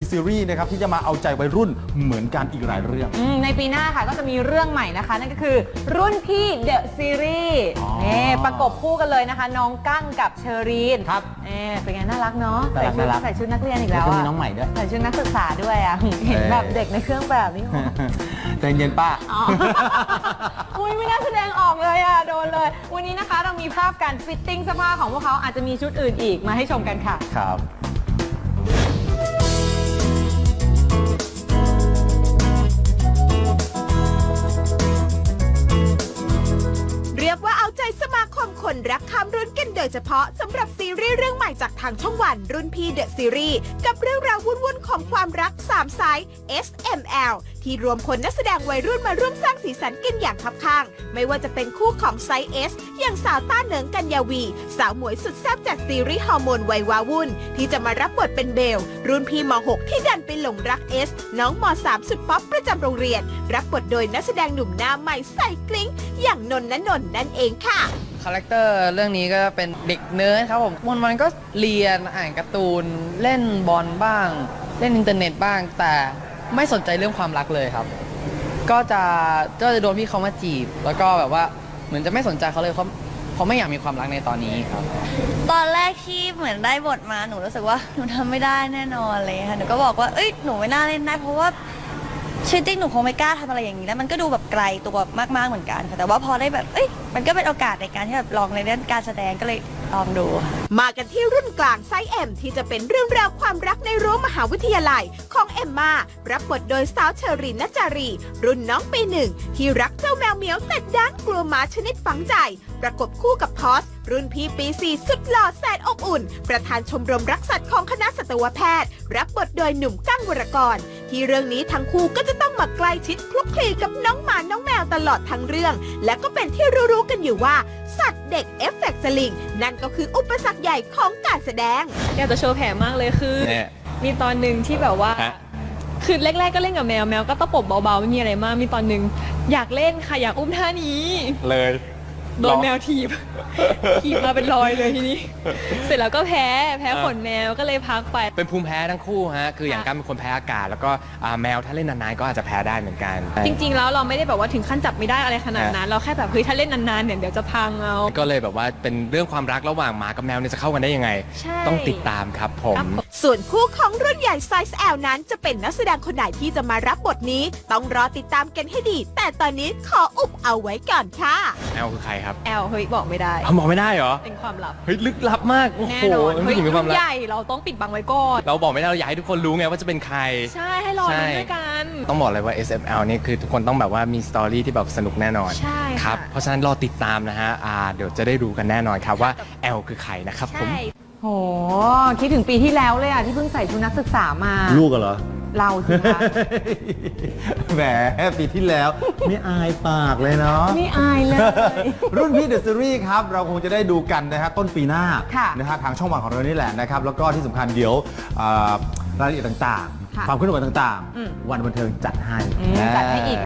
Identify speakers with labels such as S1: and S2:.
S1: Series นะครับที่จะมาเอาใจวัยรุ่นเหมือนกันอีกหลายเรื่อง
S2: ในปีหน้าค่ะก็จะมีเรื่องใหม่นะคะนั่นก็คือรุ่นพี่ The Series ประกบคู่กันเลยนะคะน้องกั้งกับเชอรีน
S1: ครับ
S2: เป็นไงน่ารักเนาะใส่ชุดนักเรียนอีก
S1: แล้
S2: แล้ว ว
S1: ก็มี
S2: อะ
S1: น้องใหม่ด้วย
S2: ใส่ชุดนักศึกษาด้วยอะเห็นแบบเด็กในเครื่องแบบนี้
S1: ใจเย็นป้า
S2: อุ้ยไม่น่าแสดงออกเลยอะโดนเลยวันนี้นะคะเรามีภาพการฟิตติ้งเสื้อผ้าของพวกเขาอาจจะมีชุดอื่นอีกมาให้ชมกันค่ะ
S1: ครับ
S3: เรียกว่าเอาใจสมาคมคนรักข้ามรุ่นกันโดยเฉพาะสำหรับซีรีส์เรื่องใหม่จากทางช่องวันรุ่นพี่เดอะซีรีส์กับเรื่องราววุ่นๆของความรัก3ไซส์ SML ที่รวมคนนักแสดงวัยรุ่นมาร่วมสร้างสีสันกันอย่างคับข้างไม่ว่าจะเป็นคู่ของไซส์ S อย่างสาวต้าเหนิงกัญญาวีสาวหมวยสุดแซ่บจากซีรีส์ฮอร์โมนวัยวาวุ่นที่จะมารับบทเป็นเบลรุ่นพี่ม.6 ที่ดันไปหลงรัก S น้องม.3 สุดป๊อปประจำโรงเรียนรับบทโดยนักแสดงหนุ่มหน้าใหม่ใส่กลิ้งอย่างนนท์ณนนท์นั่นเองค่ะ
S4: คาแรคเตอร์เรื่องนี้ก็เป็นเด็กเนิร์ดครับผมวันก็เรียนอ่านการ์ตูนเล่นบอลบ้างเล่นอินเทอร์เน็ตบ้างแต่ไม่สนใจเรื่องความรักเลยครับก็จะโดนพี่เขามาจีบแล้วก็แบบว่าเหมือนจะไม่สนใจเขาเลยเขาไม่อยากมีความรักในตอนนี้ครับ
S5: ตอนแรกที่เหมือนได้บทมาหนูรู้สึกว่าหนูทำไม่ได้แน่นอนเลยค่ะหนูก็บอกว่าเอ้ยหนูไม่น่าเล่นได้เพราะว่าชีวิตจริงหนูคงไม่กล้าทำอะไรอย่างนี้แล้วมันก็ดูแบบไกลตัวมากๆเหมือนกันค่ะแต่ว่าพอได้แบบมันก็เป็นโอกาสในการที่แบบลองในเรื่องการแสดงก็เลยลองดู
S3: มากันที่รุ่นกลางไซส์ M ที่จะเป็นเรื่องราวความรักในรั้วมหาวิทยาลัยของเอมมารับบทโดยสาวเชอรีนณจารีรุ่นน้องปีหนึ่งที่รักเจ้าแมวเหมียวแต่ด้านกลัวหมาชนิดฝังใจประกบคู่กับพอสรุ่นพี่ปี4สุดหล่อแสนอบอุ่นประธานชมรมรักสัตว์ของคณะสัตวแพทย์รับบทโดยหนุ่มกั้งวรกรที่เรื่องนี้ทั้งคู่ก็จะต้องมาใกล้ชิดคลุกคลีกับน้องหมาน้องแมวตลอดทั้งเรื่องและก็เป็นที่รู้ๆกันอยู่ว่าสัตว์เด็กเอฟเฟกต์สลิงนั่นก็คืออุปสรรคใหญ่ของการแสดง
S6: อยากจะโชว์แผลมากเลยคือมีตอนหนึ่งที่แบบว่าคือแรกๆก็เล่นกับแมวก็ตะปบเบาๆไม่มีอะไรมากมีตอนหนึ่งอยากเล่นค่ะอยากอุ้มท่านี้
S1: เลย
S6: โดนแมวถีบมาเป็นรอยเลยทีนี้เสร็จแล้วก็แพ้ขนแมวก็เลยพักไป
S7: เป็นภูมิแพ้ทั้งคู่ฮะคืออย่างการเป็นคนแพ้อากาศแล้วก็แมวถ้าเล่นนานๆก็อาจจะแพ้ได้เหมือนกัน
S6: จริงๆแล้วเราไม่ได้แบบว่าถึงขั้นจับไม่ได้อะไรขนาดนั้นเราแค่แบบเฮ้ยถ้าเล่นนานๆเนี่ยเดี๋ยวจะพังเอา
S7: ก็เลยแบบว่าเป็นเรื่องความรักระหว่างหมากับแมวเนี่ยจะเข้ากันได้ยังไงต้องติดตามครับผม
S3: ส่วนคู่ของรุ่นใหญ่ไซส์ L นั้นจะเป็นนักแสดงคนไหนที่จะมารับบทนี้ต้องรอติดตามกันให้ดีแต่ตอนนี้ขออุบเอาไว้ก่อนค่ะ
S7: แอลคือใครครับ
S6: แอลเฮ้ยบอกไม่ได้
S7: บอกไม่ได้เหรอ
S6: เป็นความลับ
S7: เฮ้ยลึกลับมาก
S6: แน่นอนเฮ้ยรุ่นใหญ่เราต้องปิดบังไว้ก่อน
S7: เราบอกไม่ได้เราอยากให้ทุกคนรู้ไงว่าจะเป็นใคร
S6: ใช่ให้รอดูด้วยกัน
S7: ต้องบอกเลยว่า SML นี่คือทุกคนต้องแบบว่ามีสตอรี่ที่แบบสนุกแน่นอน
S6: ใช่
S7: ครับเพราะฉะนั้นรอติดตามนะฮะเดี๋ยวจะได้รู้กันแน่นอนครับว่าแอลคือใครนะครับผม
S2: โหคิดถึงปีที่แล้วเลยที่เพิ่งใส่ชุดนักศึกษามา
S1: ลูกเหรอ
S2: เราสิคะ
S1: แหมปีที่แล้วไม่อายปากเลยเนาะ
S2: ไม่อายเลย
S1: รุ่นพี่เดอะซีรีส์ครับเราคงจะได้ดูกันนะฮะต้นปีหน้านะฮะทางช่องวันของเรานี่แหละนะครับแล้วก็ที่สำคัญเดี๋ยวรายละเอียดต่างๆความเคลื่อนไหวต่างๆวันบันเทิงจัดให้
S2: อีก